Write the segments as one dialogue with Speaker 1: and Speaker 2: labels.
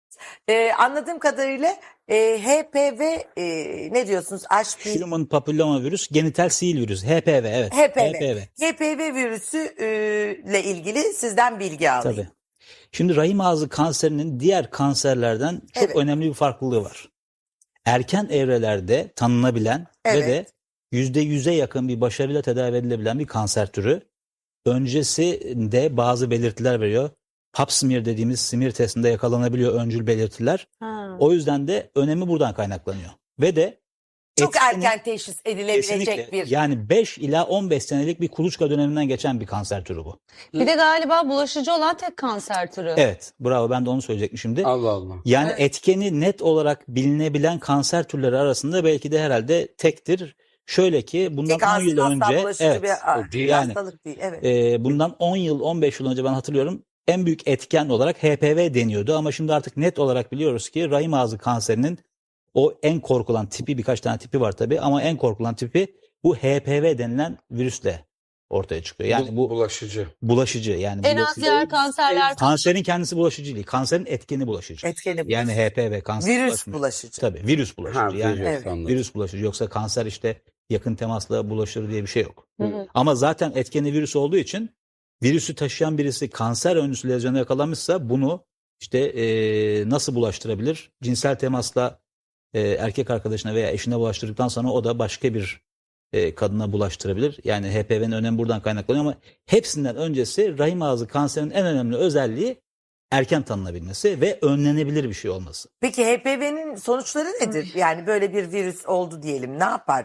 Speaker 1: Anladığım kadarıyla HPV ne diyorsunuz? HPV,
Speaker 2: Human Papilloma Virüs, genital sihir virüsü. HPV, evet.
Speaker 1: HPV.
Speaker 2: HPV.
Speaker 1: HPV virüsü ile ilgili sizden bilgi alayım.
Speaker 2: Tabii. Şimdi rahim ağzı kanserinin diğer kanserlerden çok
Speaker 1: Evet.
Speaker 2: önemli bir farklılığı var. Erken evrelerde tanınabilen ve de
Speaker 1: Evet.
Speaker 2: %100'e yakın bir başarıyla tedavi edilebilen bir kanser türü. Öncesinde bazı belirtiler veriyor. Pap smear dediğimiz smear testinde yakalanabiliyor öncül belirtiler. O yüzden de önemi buradan kaynaklanıyor. Ve de
Speaker 1: Çok
Speaker 2: etkeni-
Speaker 1: erken teşhis edilebilecek
Speaker 2: kesinlikle
Speaker 1: bir.
Speaker 2: yani 5 ila 15 senelik bir kuluçka döneminden geçen bir kanser türü bu.
Speaker 3: Bir de galiba bulaşıcı olan tek kanser türü.
Speaker 2: Evet, bravo, ben de onu söyleyecektim şimdi.
Speaker 4: Allah Allah.
Speaker 2: Yani
Speaker 1: Evet.
Speaker 2: etkeni net olarak bilinebilen kanser türleri arasında belki de herhalde tektir. Şöyle ki bundan
Speaker 1: Tek
Speaker 2: 10 yıl
Speaker 1: asla
Speaker 2: önce,
Speaker 1: bulaşıcı
Speaker 2: evet,
Speaker 1: bir
Speaker 2: yani
Speaker 1: hastalık değil. Evet.
Speaker 2: bundan 10 yıl 15 yıl önce ben hatırlıyorum en büyük etken olarak HPV deniyordu ama şimdi artık net olarak biliyoruz ki rahim ağzı kanserinin o en korkulan tipi, birkaç tane tipi var tabii ama en korkulan tipi bu HPV denilen virüsle ortaya çıkıyor. Yani bu
Speaker 4: bulaşıcı.
Speaker 2: bulaşıcı, yani
Speaker 3: En az diğer kanserler.
Speaker 2: kanserin kendisi bulaşıcı değil. Kanserin etkeni bulaşıcı.
Speaker 1: Etkeni
Speaker 2: Yani
Speaker 1: bulaşıcı.
Speaker 2: HPV kanser
Speaker 1: Virüs
Speaker 2: bulaşmıyor.
Speaker 1: bulaşıcı.
Speaker 2: Tabii virüs bulaşıcı.
Speaker 4: Ha,
Speaker 2: Yani
Speaker 1: Evet.
Speaker 4: anladım.
Speaker 2: virüs bulaşıcı, yoksa kanser işte yakın temasla bulaşır diye bir şey yok.
Speaker 3: Hı hı.
Speaker 2: Ama zaten etkeni virüs olduğu için virüsü taşıyan birisi kanser öncüsü lezyona yakalanmışsa bunu işte nasıl bulaştırabilir? Cinsel temasla erkek arkadaşına veya eşine bulaştırdıktan sonra o da başka bir kadına bulaştırabilir. Yani HPV'nin önemi buradan kaynaklanıyor ama hepsinden öncesi rahim ağzı kanserinin en önemli özelliği erken tanınabilmesi ve önlenebilir bir şey olması.
Speaker 1: Peki HPV'nin sonuçları nedir? Yani böyle bir virüs oldu diyelim. Ne yapar?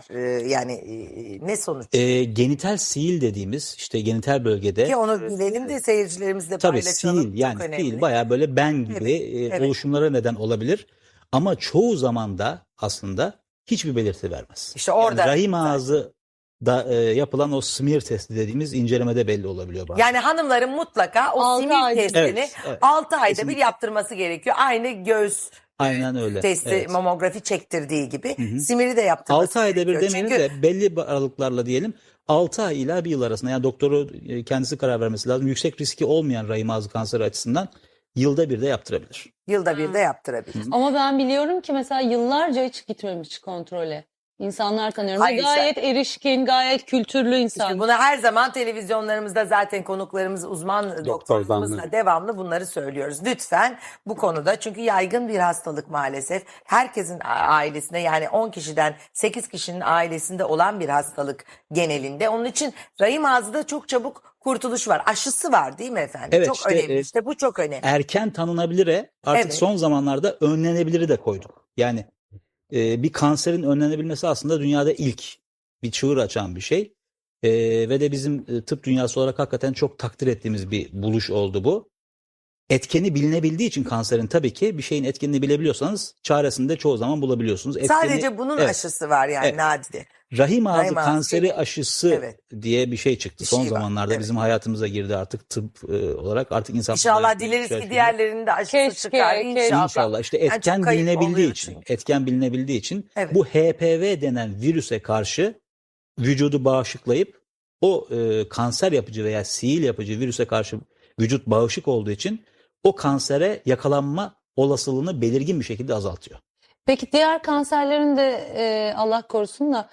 Speaker 1: Ne sonuç?
Speaker 2: Genital sihir dediğimiz işte genital bölgede
Speaker 1: Ki onu bilelim de seyircilerimizle
Speaker 2: tabii
Speaker 1: paylaşalım.
Speaker 2: sihir, yani
Speaker 1: Çok önemli.
Speaker 2: sihir bayağı böyle ben gibi
Speaker 1: Evet.
Speaker 2: oluşumlara neden olabilir. Ama çoğu zaman da aslında hiçbir belirti vermez.
Speaker 1: İşte orada
Speaker 2: Yani rahim
Speaker 1: zaten.
Speaker 2: ağzı da yapılan o smear testi dediğimiz incelemede belli olabiliyor bazen.
Speaker 1: Yani hanımların mutlaka o
Speaker 3: 6
Speaker 1: simir
Speaker 3: ayda.
Speaker 1: testini
Speaker 2: Evet.
Speaker 1: 6 ayda bir
Speaker 2: Kesinlikle.
Speaker 1: yaptırması gerekiyor. Aynı göğüs
Speaker 2: Aynen öyle.
Speaker 1: testi,
Speaker 2: Evet.
Speaker 1: mamografi çektirdiği gibi
Speaker 2: Hı hı.
Speaker 1: simiri de yaptırması
Speaker 2: 6 ayda bir
Speaker 1: gerekiyor.
Speaker 2: demeyelim de belli aralıklarla diyelim 6 ay ila 1 yıl arasında, yani doktoru kendisi karar vermesi lazım. Yüksek riski olmayan rahim ağzı kanseri açısından yılda bir de yaptırabilir.
Speaker 1: Yılda bir de yaptırabilir.
Speaker 3: Ama ben biliyorum ki mesela yıllarca hiç gitmemiş kontrole. İnsanlar tanıyorum.
Speaker 1: Hayır,
Speaker 3: Gayet erişkin, gayet kültürlü insan.
Speaker 1: İşte bunu her zaman televizyonlarımızda zaten konuklarımız, uzman doktorlarımızla devamlı bunları söylüyoruz. Lütfen bu konuda, çünkü yaygın bir hastalık maalesef. Herkesin ailesinde, yani 10 kişiden 8 kişinin ailesinde olan bir hastalık genelinde. Onun için rahim ağzında çok çabuk kurtuluş var. Aşısı var değil mi efendim?
Speaker 2: Evet,
Speaker 1: çok
Speaker 2: işte,
Speaker 1: önemli. İşte bu çok önemli.
Speaker 2: Erken tanınabilire artık
Speaker 1: Evet.
Speaker 2: son zamanlarda önlenebiliri de koyduk. Yani bir kanserin önlenebilmesi aslında dünyada ilk bir çığır açan bir şey. Ve de bizim tıp dünyası olarak hakikaten çok takdir ettiğimiz bir buluş oldu bu. Etkeni bilinebildiği için kanserin, tabii ki bir şeyin etkenini bilebiliyorsanız çaresini de çoğu zaman bulabiliyorsunuz.
Speaker 1: Sadece bunun
Speaker 2: evet,
Speaker 1: aşısı var yani,
Speaker 2: Evet.
Speaker 1: nadide.
Speaker 2: rahim ağzı
Speaker 1: Rahim ağzı
Speaker 2: kanseri aşısı
Speaker 1: Evet.
Speaker 2: diye bir şey çıktı.
Speaker 1: Bir
Speaker 2: Son
Speaker 1: şey var,
Speaker 2: zamanlarda
Speaker 1: evet.
Speaker 2: bizim hayatımıza girdi artık tıp olarak. Artık insan
Speaker 1: İnşallah dileriz ki diğerlerinin de aşısı
Speaker 3: Keşke,
Speaker 1: çıkar.
Speaker 3: keşke.
Speaker 2: İnşallah işte
Speaker 1: Yani
Speaker 2: etken
Speaker 1: çok kayıp
Speaker 2: bilinebildiği
Speaker 1: oluyor
Speaker 2: için,
Speaker 1: çünkü.
Speaker 2: etken bilinebildiği için
Speaker 1: Evet.
Speaker 2: bu HPV denen virüse karşı vücudu bağışıklayıp o kanser yapıcı veya sihir yapıcı virüse karşı vücut bağışık olduğu için o kansere yakalanma olasılığını belirgin bir şekilde azaltıyor.
Speaker 3: Peki diğer kanserlerin de Allah korusun da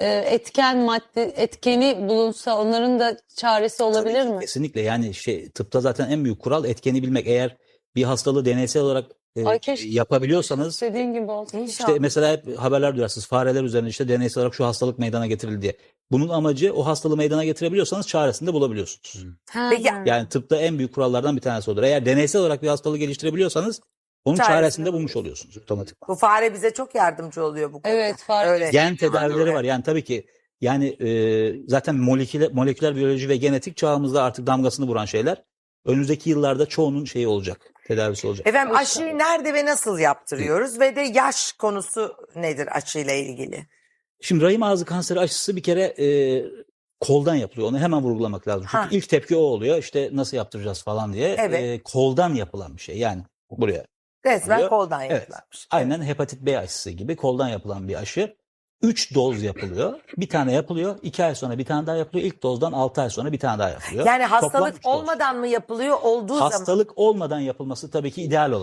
Speaker 3: etkeni bulunsa onların da çaresi olabilir
Speaker 2: Tabii ki,
Speaker 3: mi?
Speaker 2: kesinlikle, yani tıpta zaten en büyük kural etkeni bilmek. Eğer bir hastalığı deneysel olarak
Speaker 3: Ay keşke
Speaker 2: yapabiliyorsanız,
Speaker 3: istediğin gibi olsun.
Speaker 1: İnşallah.
Speaker 2: İşte mesela hep haberler duyarsınız, fareler üzerine işte deneysel olarak şu hastalık meydana getirildi diye. Bunun amacı, o hastalığı meydana getirebiliyorsanız çaresini de bulabiliyorsunuz.
Speaker 1: Peki,
Speaker 2: Yani tıpta en büyük kurallardan bir tanesi odur. Eğer deneysel olarak bir hastalığı geliştirebiliyorsanız onun çaresini de bulmuş oluyorsunuz otomatik.
Speaker 1: Bu fare bize çok yardımcı oluyor bu konuda.
Speaker 3: Evet, fare.
Speaker 1: Öyle.
Speaker 2: Gen tedavileri var. Yani tabii ki, yani zaten moleküler biyoloji ve genetik çağımızda artık damgasını vuran şeyler. Önümüzdeki yıllarda çoğunun şeyi olacak, tedavisi olacak.
Speaker 1: Efendim, aşıyı nerede ve nasıl yaptırıyoruz ve de yaş konusu nedir aşıyla ilgili?
Speaker 2: Şimdi rahim ağzı kanseri aşısı bir kere koldan yapılıyor. Onu hemen vurgulamak lazım. Çünkü
Speaker 1: Ha.
Speaker 2: ilk tepki o oluyor. İşte nasıl yaptıracağız falan diye.
Speaker 1: Evet.
Speaker 2: Koldan yapılan bir şey. Yani buraya.
Speaker 1: Resmen
Speaker 2: oluyor.
Speaker 1: koldan
Speaker 2: Evet.
Speaker 1: yapılanmış.
Speaker 2: Aynen hepatit B aşısı gibi koldan yapılan bir aşı. 3 doz yapılıyor. Bir tane yapılıyor. 2 ay sonra bir tane daha yapılıyor. İlk dozdan 6 ay sonra bir tane daha yapılıyor.
Speaker 1: Yani
Speaker 2: Toplam
Speaker 1: hastalık
Speaker 2: 3 doz.
Speaker 1: olmadan mı yapılıyor, olduğu zaman?
Speaker 2: Hastalık olmadan yapılması tabii ki ideal olan.